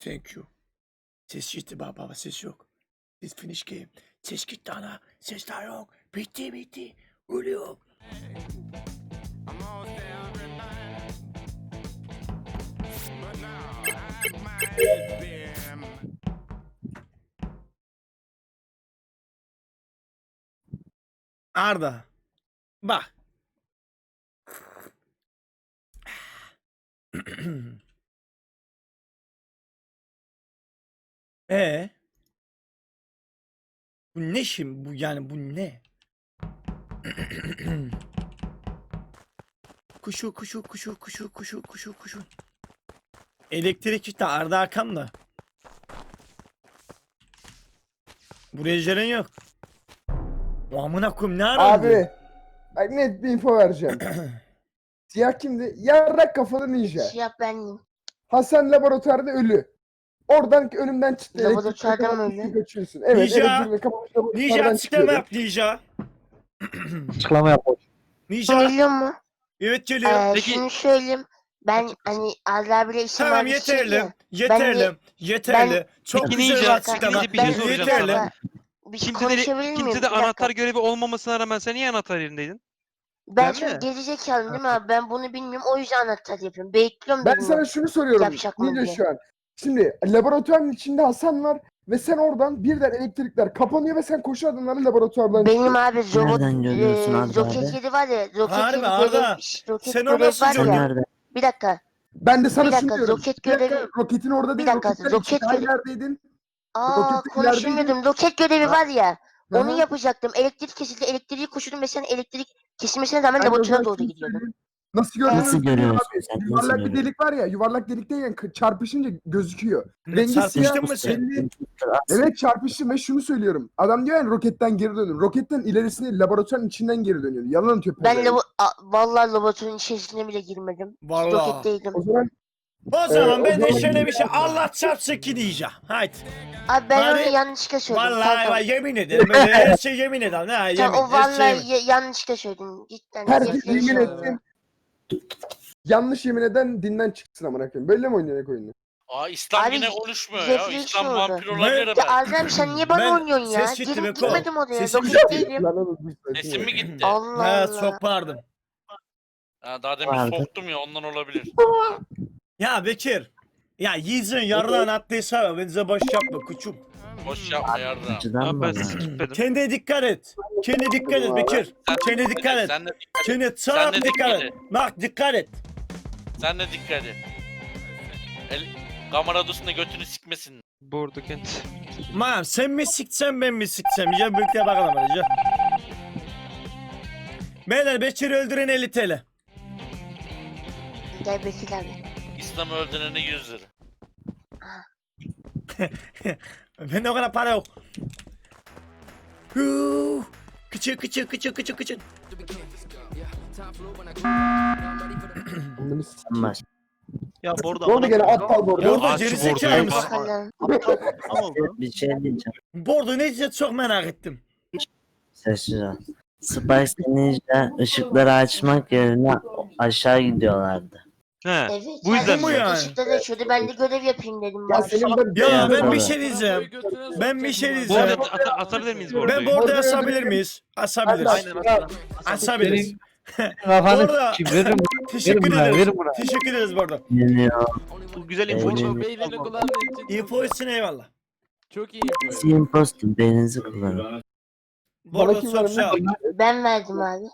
Thank you. Ses gitti baba, ses yok. Ses finish game. Ses gitti ana. Ses daha yok. Bitti. Ölüyor. Arda. Bak. Bu ne şimdi? Bu yani bu ne? Kuşu. Elektrik işte Arda arkamda. Buraya jelen yok. O amına koyayım ne aradın? Abi. Bak net bir info vereceğim. Siyah kimdi? Yarrak kafalı ninja. Siyah bendim. Hasan laboratuvarda ölü. Oradan ölümden çıktı. Laboratuvarda mı elektrikle öldü? kaçıyorsun. Evet, Ninja! elektrikle kapamış laboratuvardan Ninja açıklama çıkıyordu. yap Ninja. Açıklama yap. Ninja. Geliyor mu? Evet geliyor. Peki- Şunu söyleyeyim. Ben Açıklasın. hani Arda abiyle İslam Tamam abi yeterli. şey ya, Yeterli. Çok Peki güzel Ninja, açıklama. şimdi bir şey soracağım Yeterli. sana. Bir Kimse de dakika. anahtar görevi olmamasına rağmen sen niye anahtar yerindeydin? Ben Değil şimdi mi? gerizekalıyım değil mi abi? Ben bunu bilmiyorum. O yüzden anahtar yapıyorum. Bekliyorum Ben dedim sana ya. şunu soruyorum. Yapacak mı Ninja diye. şu an. Şimdi laboratuvarın içinde Hasan var ve sen oradan birden elektrikler kapanıyor ve sen koşu adımlarla laboratuvardan Benim çıkıyorsun. abi robot Nereden görüyorsun Arda roket abi? yeri var ya. Roket Harbi yeri Arda, görev, roket sen o görev nasıl var joker? ya. Nerede? Bir dakika. Ben de sana Bir şunu dakika, diyorum. roket Bir dakika, görevi- roketin orada değil. Bir dakika, roketten roket çıktı. görevi- Neredeydin? Aa Roketin konuşamıyordum. Roket görevi var ya. Hı Onu hı. yapacaktım. Elektrik kesildi. Elektriği koşurdum ve sen elektrik kesilmesine rağmen Ben de o laboratuvara zaman doğru şunu gidiyordun. söyleyeyim. Nasıl gördüğünü Nasıl söyleyeyim görüyorsun abi. sen? Nasıl Yuvarlak bir görüyorsun? delik var ya. Yuvarlak delikte çarpışınca gözüküyor. Ne Rengi siyah. çarpıştın mı sen? belli. Evet çarpıştım ve şunu söylüyorum. Adam diyor yani roketten geri dönün. Roketten ilerisine laboratuvarın içinden geri dönüyor. Yalan atıyor. Ben pezevenk. vallahi laboratuvarın içerisine bile girmedim. Vallahi. Roketteydim. O zaman O zaman o ben de zaman- şöyle bir şey Allah çarpsın ki diyeceğim. Haydi. Abi ben Hadi. onu yanlışlıkla söyledim. Vallahi Tamam. yemin ederim. Böyle her şey yemin ederim. Ha, yemin. Tamam, o her şey vallahi yemin. yanlışlıkla söyledim. Cidden. herkes refleks yemin oldu. etsin. Yanlış yemin eden dinden çıksın amına koyayım. Böyle mi oynayarak oyunu? Aa İslam Abi, yine konuşmuyor ya. refleks İslam oldu. vampir olabilir Ben- ben. Erdem sen niye bana Ben- oynuyorsun ya? ses gitti be, Gitmedim oraya. Sesim Roketteydim. Lan oğlum, bir sakin Sesim ol. mi gitti? Allah Ha, Allah. çok pardon. Ha, daha demin Vardı. soktum ya ondan olabilir. Ya Bekir. Ya yiyeceğin yarından attıysa bence boş yapma kuçum. Boş yapma yardım. Açıdan Ya mı? ben lan? skipledim. Kendine dikkat et. Kendine dikkat et Bekir. Kendine dikkat et. Sen de dikkat et. Kendine Sen çok de dikkat dikkat et. Bak dikkat et. Sen de dikkat et. Kamera odasında götünü sikmesin. Bordo kent. Mam sen mi siksen ben mi siksem? Ya birlikte bakalım hadi. Ya. Beyler Bekir'i öldüren 50 TL. Gel Bekir abi. İslam'ı öldürene 100 lira. Bende o kadar para yok. Huu. Kıçı. Amına sikeyim. Baş. Ya bordo Ne oldu gene aptal bordo? Bordo Aç gerizekalı bordoyu, mısın? Bakalım. Ne oldu? Bir şey diyeceğim. Bordo ne diyecek çok merak ettim. Sessiz ol. Spice Ninja ışıkları açmak yerine aşağı gidiyorlardı. He. Evet. Bu yüzden mi yani? Işıkta da şöyle ben de görev yapayım dedim. Ya bari. senin ben... Ya Ya, ben bir doğru. şey diyeceğim. Ben bir şey Bordo diyeceğim. atabilir miyiz Ben bordoyu? bordo asabilir miyiz? Asabiliriz. Aynen aslan. Asabiliriz. Kafanı Bordo. veririm. Teşekkür buna, ederiz. verin buna. Teşekkür ederiz Bordo. Geliyor. Bu güzel info Eğlenin. için. Beylerini kullandığın için İnfo için eyvallah. çok iyi yapıyor. Siz impostor beyninizi kullanın. Bordo kim çok vermiş? sağ ol. Ben verdim abi.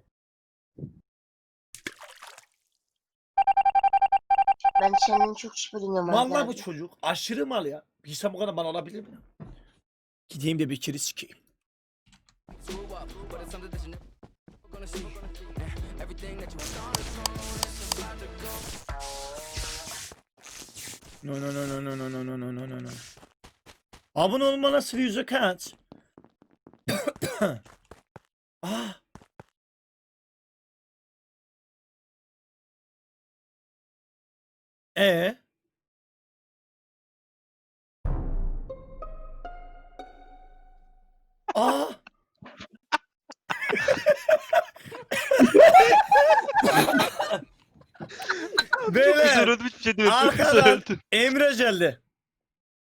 Ben senden çok şüpheleniyorum abi. Vallahi bu çocuk aşırı mal ya. Bir insan bu kadar mal olabilir mi? Gideyim de Bekir'i sikeyim. No. Abone olma nasıl yüzü kaç? Ah. E. Aa. Çok Beyler, güzel öldü hiçbir şey diyor. Çok güzel arkadan öldü. Emre geldi.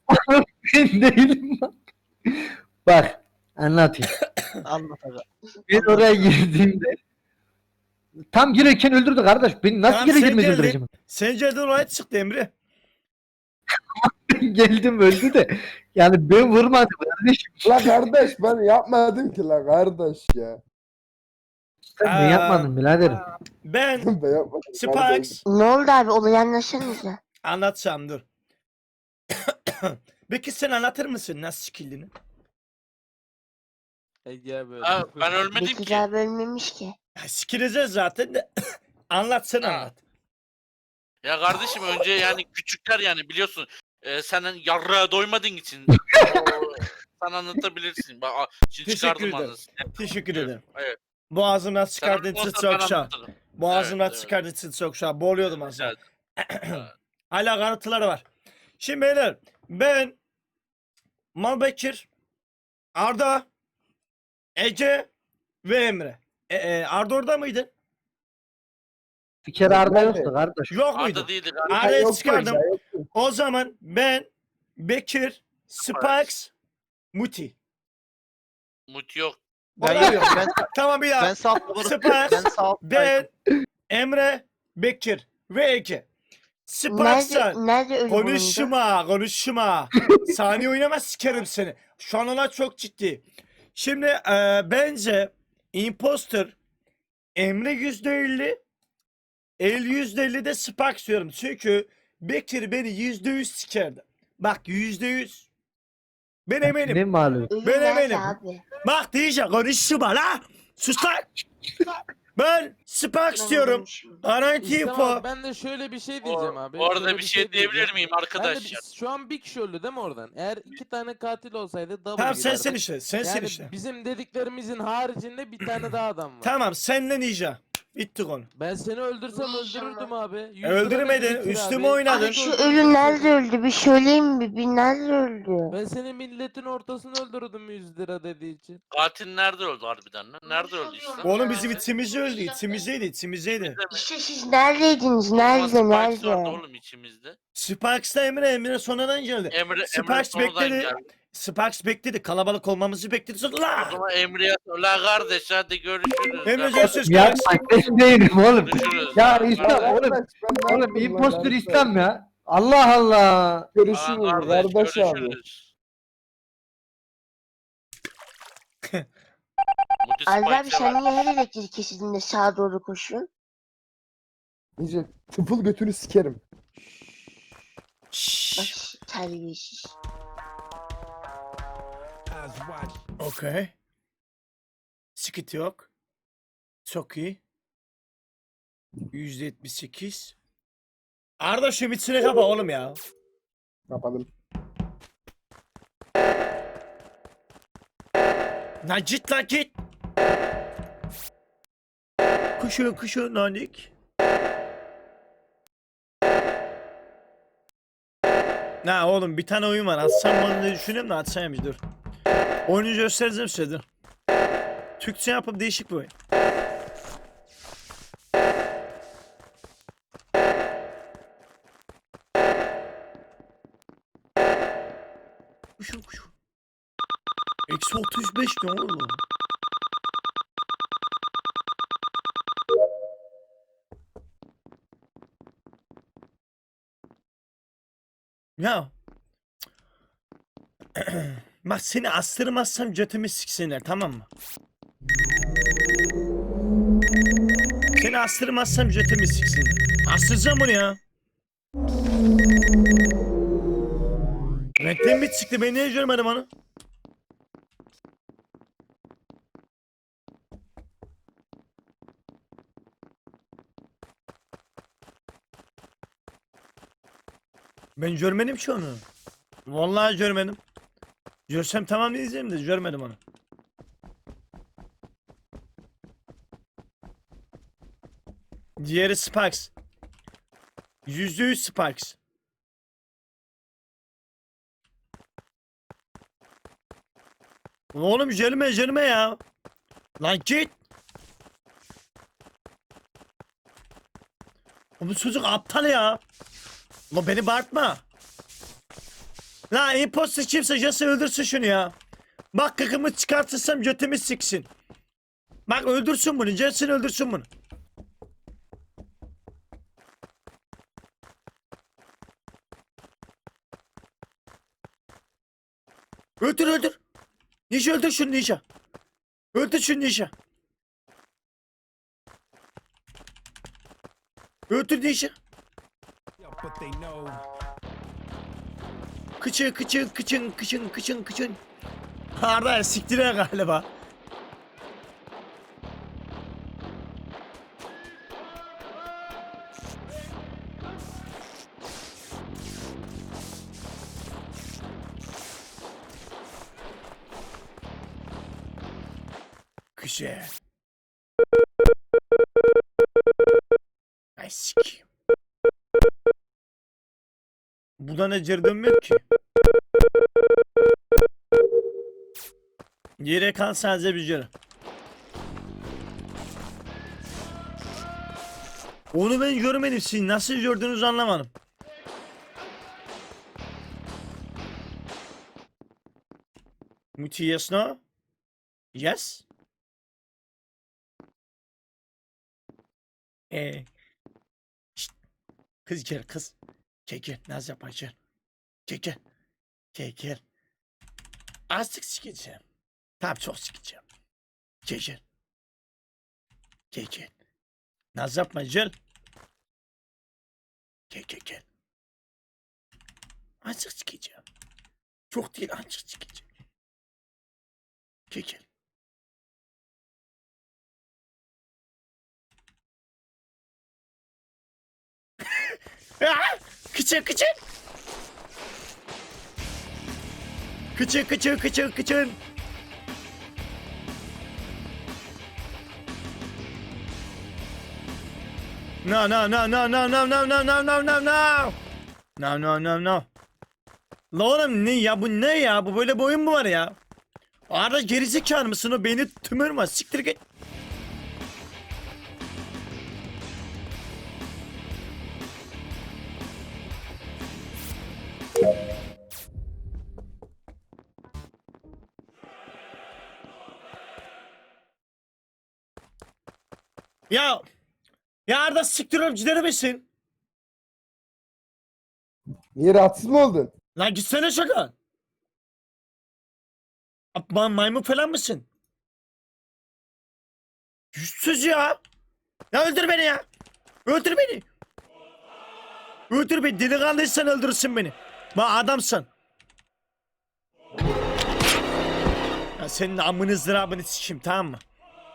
Ben değilim bak. Bak anlatayım. Anlat aga. Ben oraya girdiğimde tam girerken öldürdü kardeş. Beni nasıl Tamam, geri sen girmez geldin. öldüreceğim? Sence de olay çıktı Emre. Geldim öldü de. Yani ben vurmadım kardeşim. La kardeş ben yapmadım ki la kardeş ya. Sen Aa. ne yapmadın biraderim? Ben Ben yapmadım. kardeş. Sparks Ne oldu abi? Olayı anlatsanıza. anlatacağım dur. Peki sen anlatır mısın nasıl skill'ini? Gel böyle. Ha, ben ölmedim Bekir ki. abi ölmemiş ki. Ya, skill'inize zaten de anlatsın Ha. anlat. Ya kardeşim önce yani küçükler yani biliyorsun. Senin yarrağa doymadığın için. Sen anlatabilirsin. Bak, şimdi Teşekkür çıkardım ederim. anasını. Teşekkür ederim. Evet. Boğazımdan Sen çıkardığı için anlatmazsan çok ben şah. anlatırım. Boğazımdan Evet, çıkardığı için çok şah. Boğuluyordum az Evet. daha. Hala kanıtları var. Şimdi beyler ben Malbekir, Arda, Ece ve Emre. Arda orada mıydı? Bir kere Arda Ben de. yoktu kardeş. Yok muydu? Arda değildi. Arda'yı Yoktu, çıkardım. yoktu. O zaman ben, Bekir, Sparks, Muti. Mut yok. Ben yok. Ben, Tamam bir daha. ben sağ Sparks, ben sağ ben, Emre, Bekir ve Ege. Sparks'a Nerede ölü bulundu? konuşma. Saniye oynama sikerim seni. Şu an ona çok ciddi. Şimdi bence imposter Emre %50, el %50 de Sparks diyorum. Çünkü Bekir beni %100 sikerdi. Bak %100. Ben eminim. Ne malum? Ölü Ben nerede eminim. abi? Bak diyeceğim konuşma la. Sus lan. Ben Sparks Ben diyorum. ölmüşüm. Garanti İslam info. abi, ben de şöyle bir şey diyeceğim abi. Bu arada Şöyle bir şey diyebilir diyeceğim. miyim Ben de arkadaşlar? şu an bir kişi öldü değil mi oradan? Eğer 2 tane katil olsaydı double Tamam girerdi. sensin işte. Sensin Yani işte. bizim dediklerimizin haricinde bir tane daha adam var. Tamam senle Ninja. Bitti konu. Ben seni öldürsem İnşallah. öldürürdüm abi. 100 lira Öldürmedin, dedi Bekir üstüme abi. oynadın. Abi şu ölü nerede öldü? Bir söyleyeyim mi? Bir nerede öldü? Ben seni milletin ortasını öldürdüm 100 lira dediği için. Katil nerede öldü harbiden lan? Nerede öldü işte? Oğlum bizim içimizde öldü. İçimizdeydi. İşte siz neredeydiniz? Ama Nerede? Spikes vardı Nerede? oğlum içimizde. Sparks'la Emre sonradan geldi. Emre Sparks sonradan bekledi. geldi. Sparks bekledi. Kalabalık olmamızı bekledi. Sonra O la. zaman Emre'ye la kardeş hadi görüşürüz. Emre Ya, görüşürüz. Ya ben değilim oğlum. Görüşürüz. Ya Kardeş. İslam oğlum. Kardeş, ben ne Oğlum yaptım lan impostor kardeş? İslam ya. Allah Allah. Görüşürüz Aa, kardeş abi. görüşürüz. Muti Ali abi Spikes'e sen bak. niye her elektrik kesildiğinde sağa doğru koşuyorsun? Nice tıfıl götünü sikerim. Bak Şşş. terbiyesiz. Okey. Sıkıntı yok. Çok iyi. %78. Arda şu bitsine kapa oğlum ya. Kapadım. Lan git lan git. Kuşu nanik. Na oğlum bir tane oyun var. Atsam bunu diye düşünüyorum da atsaymış dur. Oyunu göstereceğim size dur. Türkçe yapıp değişik bir oyun. Kuşu. Eksi 35 ne oğlum? Ya. Bak seni astırmazsam götümü siksinler tamam mı? Seni astırmazsam götümü siksinler. Astıracağım bunu ya. Renkten mi çıktı ben niye görmedim onu? Ben görmedim ki onu. Vallahi görmedim. Görsem tamam diyeceğim de görmedim onu. Diğeri Sparks. %100 Sparks. Oğlum gelme ya. Lan git. Bu çocuk aptal ya. Lan beni bağırtma. Lan imposter kimse Jesse öldürsün şunu ya. Bak kıkımı çıkartırsam götümü siksin. Bak öldürsün bunu. Jesse öldürsün bunu. Öldür öldür. Ninja öldür şunu Ninja. Öldür şunu Ninja. Öldür Ninja. Kıçın kıçın kıçın kıçın kıçın kıçın. Arda siktire galiba. Güzel. Ay sikeyim. Buradan ecir dönmüyor ki. Yere kan sadece bir yere. Onu ben görmedim. Siz nasıl gördüğünüzü anlamadım. Muti yes no? Yes? Şşt. Kız gel kız. Gel naz yapma gel. Gel. Azıcık sikeceğim. Tamam çok sikeceğim. Gel. Naz yapma gel. Gel. Azıcık sikeceğim. Çok değil azıcık sikeceğim. Gel. Kıçın. Kıçın. No. La oğlum ne ya bu ne ya bu böyle bir oyun mu var ya? Arada gerizekalı mısın o beni tümürme siktir git. Ya Arda siktir olup gider misin? Niye rahatsız mı oldun? Lan gitsene şaka. Maymun falan mısın? Yüzsüz ya. Ya öldür beni ya. Öldür beni. Öldür beni. Delikanlıysan öldürürsün beni. Bak adamsın. Ya senin amını zırabını sikeyim tamam mı?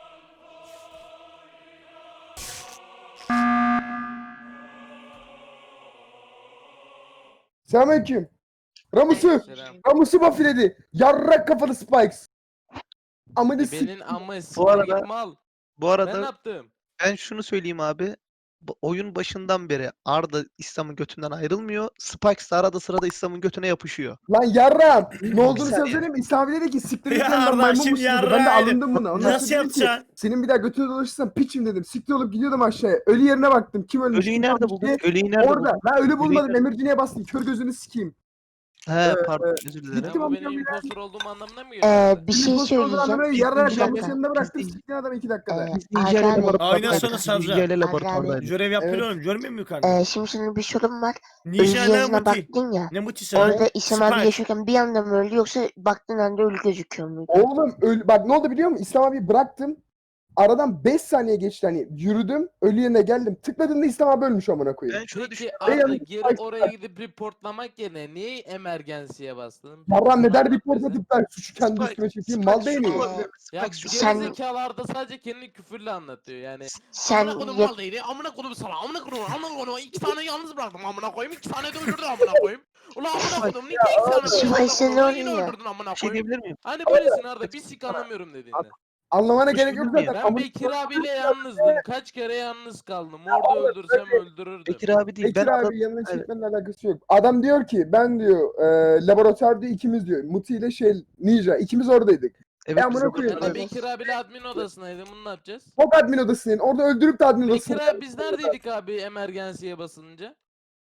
Selamünaleyküm. Ramus'u. Selam. Ramus'u bafiledi. Yarrak kafalı Spikes. Amını Benim ama Bu arada- siktir mal. Bu Ben arada ne yaptım? ben şunu söyleyeyim abi. Oyun başından beri Arda İslam'ın götünden ayrılmıyor. Spikes de arada sırada İslam'ın götüne yapışıyor. Lan yarram. Ne olduğunu saniye. sana söyleyeyim mi? İslam dedi ki siktir git Ya lan ben Arda, maymun şimdi musun dedi. Ben de yarrağıydı. alındım buna. Ondan Nasıl sonra dedi ki, yapacaksın? senin bir daha götüne dolaşırsan piçim dedim. Siktir olup gidiyordum aşağıya. Ölü yerine baktım. Kim ölmüş? Ölüyü kim nerede kalmış buldun? diye. Ölüyü nerede Orada. buldun? Ben ölü bulmadım. nerede- Emirciniye bastım. Kör gözünü sikeyim. He pardon özür dilerim. Gittim Sen bu amca benim ya. impostor olduğum anlamına mı geliyor? Bir şey söyleyeceğim. Yarrak Bir Ramus'un dakika. yanında bıraktım. Biz- Siktin adam 2 dakikada. Ee, Biz Arda Ninja abi. ile Aynen laboratuvardaydık. sonra Biz savcı. Ninja ile Arda abi. laboratuvardaydık. Görev yapıyor Evet. oğlum görmüyor musun yukarıda? Şimdi senin bir sorun var. Ölü Ninja ne yazına muti? baktın ya. Ne muti sen? Orada İslam abi Spike. yaşıyorken bir anda mı öldü yoksa baktığın anda ölü gözüküyor muydu? Oğlum bak ne oldu biliyor musun? İslam abi bıraktım. Aradan 5 saniye geçti hani yürüdüm ölü yerine geldim. Tıkladığımda İslam abi ölmüş amına koyayım. Ben şunu Peki düşünüyorum. Arda yanlış geri Spikes oraya gidip reportlamak yerine niye emergency'ye bastın? Yarram neden Anlat report bize. atıp ben suçu kendi Spikes- üstüme çekeyim? Spikes Mal değil şunu miyim? olabilir mi? Ya Spikes şunu Sen- gerizekalı Arda sadece kendini küfürle anlatıyor yani. Sen Amına kodum yap- mal değil. Amına kodum sana. Amına kodum. 2 tane yalnız bıraktım amına koyayım. 2 tane de öldürdüm amına koyayım. Ulan amına kodum. Niye 2 tane Spikes amına sen kodum? Yine oraya. öldürdün amına Bir şey koyayım. diyebilir miyim? Hani böylesin Arda bir sik anlamıyorum dediğinde. Anlamana Bir gerek şey yok bilmiyorum. zaten. Ben Amına Bekir abiyle yalnızdım. Kaç kere yalnız kaldım. Orada öldürsem öldürürdüm. Bekir abi değil. Bekir Ben abi yanına Evet. çekmenin alakası yok. Adam diyor ki ben diyor laboratuvarda ikimiz diyor. Muti ile Ninja ikimiz oradaydık. Evet, amına biz koyayım. Ben de laboratuvardayız. Bekir abiyle admin odasındaydım. Bunu ne yapacağız? Top admin odasının orada öldürüp de admin Bekir odasına. abi biz neredeydik abi emergency'ye basılınca?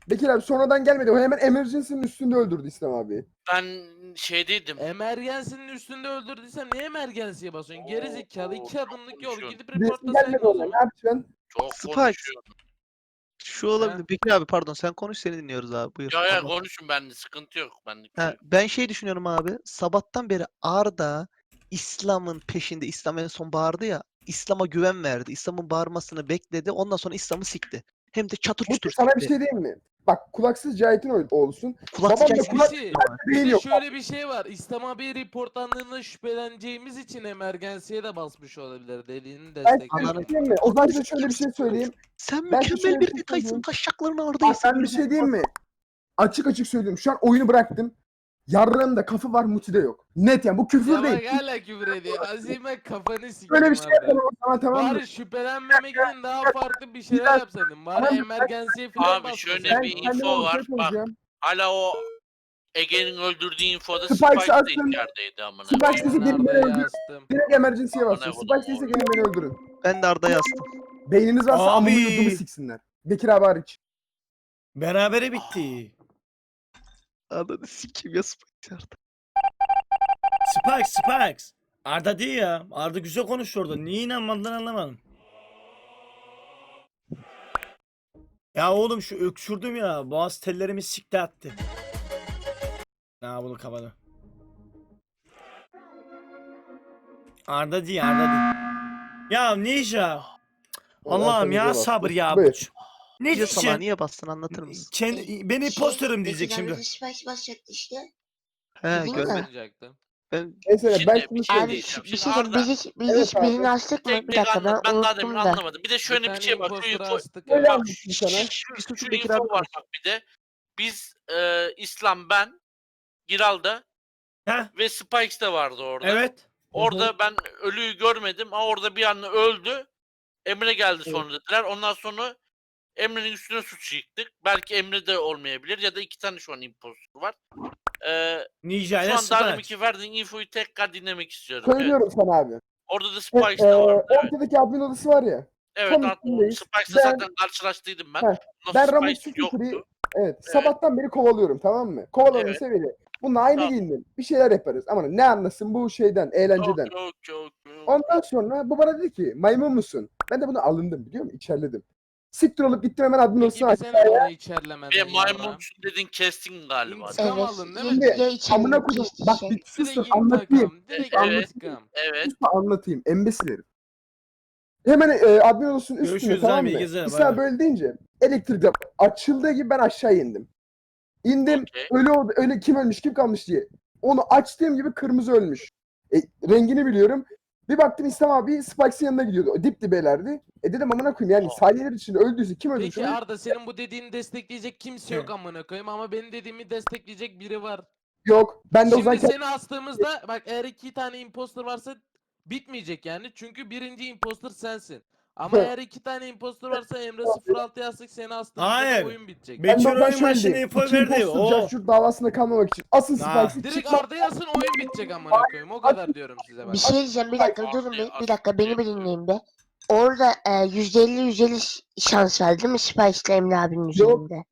Bekir abi sonradan gelmedi. O hemen emergency'nin üstünde öldürdü İslam abi. Ben şeydeydim. Emergency'nin üstünde öldürdüysem niye emergency'ye basıyorsun? Geri zekalı 2 adımlık yol konuşuyorsun. gidip Birisi reportlasaydın gelmedi o o zaman. zaman. Ne yapacaksın? Çok Spikes. konuşuyor. Şu olabilir. Bekir abi pardon sen konuş seni dinliyoruz abi. Buyur. Ya Anlat. konuşun bende sıkıntı yok. Benlik bir Ha, şey yok. ben şey düşünüyorum abi. Sabahtan beri Arda İslam'ın peşinde. İslam en son bağırdı ya. İslam'a güven verdi. İslam'ın bağırmasını bekledi. Ondan sonra İslam'ı sikti. Hem de çatır Bu çutur sana bir sikti. şey diyeyim mi? Bak kulaksız Cahit'in olsun. Kulaksız Babam da Cahit'in kulak Birisi- beyin Bir de yok. şöyle bir şey var. İslam abi reportlandığında şüpheleneceğimiz için emergency'ye de basmış olabilir. Dediğini Ben size bir destekliyorum. şey diyeyim mi? O zaman size şöyle bir şey söyleyeyim. Sen Ben size mükemmel şöyle bir bir şey detaysın. söyleyeyim. Taşaklarını Arda'ya Bak ben bir şey diyeyim mi? Açık açık söylüyorum. Şu an oyunu bıraktım. Yarrağımda kafı var, Muti'de yok. Net yani bu küfür Ya değil. bak hala küfür ediyor. Azime kafanı sikeyim Böyle bir şey abi. yapalım o zaman, tamam mı? Bari şüphelenmemek için daha farklı bir şeyler dakika. yapsaydın. Tamam, Bari ben- emergency'ye falan Abi şöyle basmasaydın. bir kendime info var. ortaya koyacağım. Hala o Ege'nin öldürdüğü infoda Spikes Spikes de attın. içerideydi amına. Spikes koyayım. sesi Ben gelin beni Arda'ya öldürün. astım. Direkt emergency'ye Aman basın. ne Spikes ise oğlum. gelin beni öldürün. Ben de Arda'ya astım. Beyniniz varsa Abi. amımı yudunu siksinler. Bekir abi hariç. Berabere bitti. Arda'nı sikeyim ya Spikes Arda. Spikes. Arda değil ya. Arda güzel konuşuyor orada. Niye inanmadın anlamadım. Ya oğlum şu öksürdüm ya. Boğaz tellerimi sikti attı. Ha bunu kapadı. Arda değil. Ya Ninja. Allah'ım ya sabır ya. Buyur. Ne Niye sana diyeceksin? niye bastın anlatır mısın? Ben imposterım diyecek şimdi. Spice basacaktı işte. He Değil mi? görmedim. Olacaktı. Ben Mesela ben Şimdi şunu bir şey söyleyeyim. Abi diyeceğim. bir Şimdi şey diyeyim. Arda- Biz Evet hiç abi. birini astık mı? Tek Bir tek dakika ben ben daha demin unuttum da. anlamadım. Bir de şöyle bir şey var. Şu impostor info, astık Böyle ya. anlatayım sana. Bir sus şu Bekir info abi var bak bir de. Biz İslam, ben, Giral'da Ha? ve Spikes de vardı orada. Evet. Orada ben ölüyü görmedim ama orada bir anda öldü. Emre geldi sonra dediler. Ondan sonra Emre'nin üstüne suç yıktık. Belki Emre de olmayabilir ya da 2 tane şu an impostor var. Ninja Şu ile an daha Spikes. deminki verdiğin infoyu tekrar dinlemek istiyorum. Evet. Söylüyorum sana abi. Orada da Evet, Spikes de vardı. Evet, ortadaki admin odası var ya. evet tam artık üstündeyiz. Spikes'la Ben- zaten karşılaştıydım ben. Heh, Nasıl ben Ramus Spikes Secretary- yoktu. Evet. Sabahtan beri kovalıyorum, tamam mı? Kovaladım Evet. seviyeli. Bununla aynı Tamam. giyindim. Bir şeyler yaparız. Ama ne anlasın bu şeyden, eğlenceden. Çok. Ondan sonra bu bana dedi ki maymun musun? Ben de bunu alındım biliyor musun? İçerledim. Siktir olup gittim hemen admin Peki odasına bir sen aşağıya. onu içerlemedin. Ve maymunsun dedin kestin galiba. İntikam Evet. aldın değil mi? Şimdi Ya içeride amına koydum. kesti Bak şey. bir Direkt susun anlatayım. intikam. Direkt Evet. intikam. Evet. Sus da anlatayım. Embesil herif. Hemen admin odasının üstünde, Görüşürüz tamam abi, mı? iyi geceler, bay İslam bay. böyle deyince elektrik açıldığı gibi ben aşağı indim. İndim. Okey. Öyle kim ölmüş kim kalmış diye. Onu açtığım gibi kırmızı ölmüş. Rengini biliyorum. Bir baktım İslam abi Spikes'in yanına gidiyordu. Dip dibelerdi. Dedim amına koyayım yani saniyeler içinde öldüyse kim öldüyse Peki öldü. Arda senin bu dediğini destekleyecek kimse yok amına koyayım ama benim dediğimi destekleyecek biri var. Yok. Ben de o Şimdi zaman seni astığımızda bak eğer 2 tane imposter varsa bitmeyecek yani. Çünkü birinci imposter sensin. Ama Evet. eğer 2 tane imposter varsa Emre 06 yazdık seni astığımızda Hayır. da oyun bitecek. Ben- de o zaman oyun başına şöyle diyeyim. info İki verdi, impostor o. Cahşurt davasında kalmamak için. Asın Ha. Spikes'i Direkt çıkma. Arda yazsın oyun bitecek amına koyayım. O kadar diyorum size bak. Bir şey diyeceğim bir dakika Abi, durun bir abi, dakika beni bir yapıyorum. dinleyin be. Orada %50 şans var değil mi Spice'la Emre abinin üzerinde?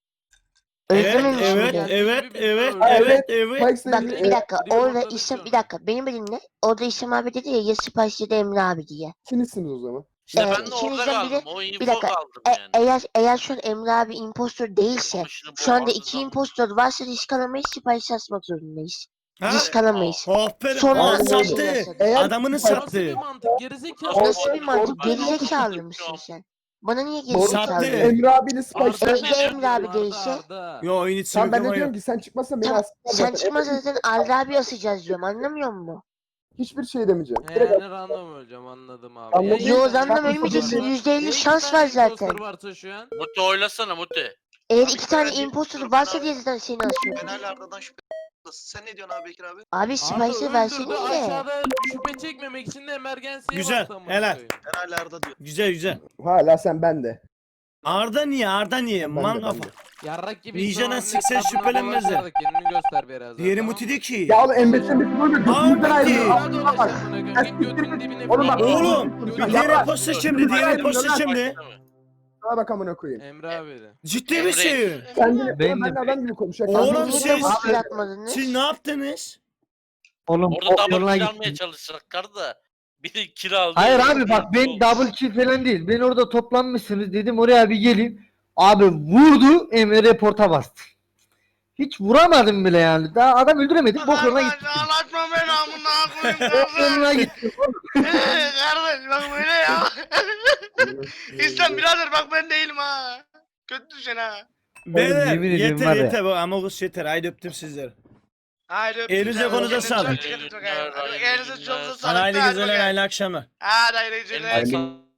Öyle Evet, dememiş evet, miydi? evet, evet, Evet. evet, evet. Spikes'le Bak ilgili bir dakika orada reportladık İslam sonra. bir dakika beni bir dinle. Orada İslam abi dedi ya Spice ya da Emre abi diye. ikinizsiniz o zaman. İşte Evet, ben de orada ikinizden biri- kaldım. O info bir dakika, kaldım yani. Eğer şu an Emre abi impostor değilse Ama şimdi bu şu anda Arda'dan- 2 impostor varsa risk alamayız Spice asmak zorundayız. Ha? Risk alamayız. Aferin. Sonra Aa, öyle sattı. oldu. Eğer Adamını Spikes- Nasıl bir sattı. mantık gerizekalı. Nasıl Nasıl bir mantık? Doğru. Gerizekalı mısın sen? Bana niye Doğru. gerizekalı Sattı. diyorsun? Emre abiyle Spikes. Arda- Arda Emre abi Arda, değilse- Arda. Yo oyun içi Tamam ben de yok. diyorum ki sen çıkmazsan beni Tamam, astılar sen zaten. çıkmazsan zaten Arda abi asacağız diyorum anlamıyor musun? Hiçbir şey demeyeceğim. Direkt Yani random öleceğim anladım abi. Anladım. Ya iki Yo tane random imposter ölmeyeceksin varsa- %50 ya iki şans tane var zaten. imposter varsa şu an. Mute oylasana Mute. Eğer Abi 2 tane ben- impostor varsa diye zaten seni asıyorum. hala Arda'dan şüphe. Sen ne diyorsun abi Bekir abi? Abi Arda Spice'ı öldürdü verseniz de. aşağıda şüphe çekmemek için de emergency'ye Güzel, bastı amına helal. koyayım. Ben hala Arda diyor. Güzel. hala sen ben de. Arda niye? Ben de, Man ben kafa. de. Yarrak gibi Ninja'dan İslam abinin siksen etrafında şüphelenmezler. dolaşarak Kendini göster biraz. Diğeri Muti'de ki. Ya oğlum Embe'den bir böyle götümüzden ayrılıyor. Daha dolaş amına koyayım. Git götünün dibine Oğlum falan bak- bak. Oğlum Götünün diğer dibine imposter bak. şimdi. Diğer Hayır, imposter hayır. şimdi. Sana bak amına koyayım. Emre abi de. Ciddi Emre- misin? Kendini Ben ben de- adam gibi konuşuyor. Oğlum Kendini- siz- Niye maske atmadınız? Siz ne yaptınız? Oğlum Orada o double yoluna kill almaya gittim. çalışacaklar da biri kill aldı. Hayır abi bak ben double kill falan değil. Ben orada toplanmışsınız dedim oraya bir geleyim. Abi vurdu Emre reporta bastı. Hiç vuramadım bile yani. Daha adam öldüremedik. Bok yoluna gittim. Anlatma beni amına koyayım Bok yoluna kardeş. gittim. Kardeş bak böyle ya. İslam birader bak ben değilim ha. Kötü düşün ha. Beyler yemin ediyorum yeter var ya. yeter bu Amogus yeter. Haydi öptüm sizleri. Haydi öptüm Elinize seni. konuza Kendinize sağlık. çok dikkat edin. Elinize çok sağlık. Hayırlı Hadi geceler, bakayım. hayırlı akşamlar. Hadi hayırlı geceler. Eline sağlık.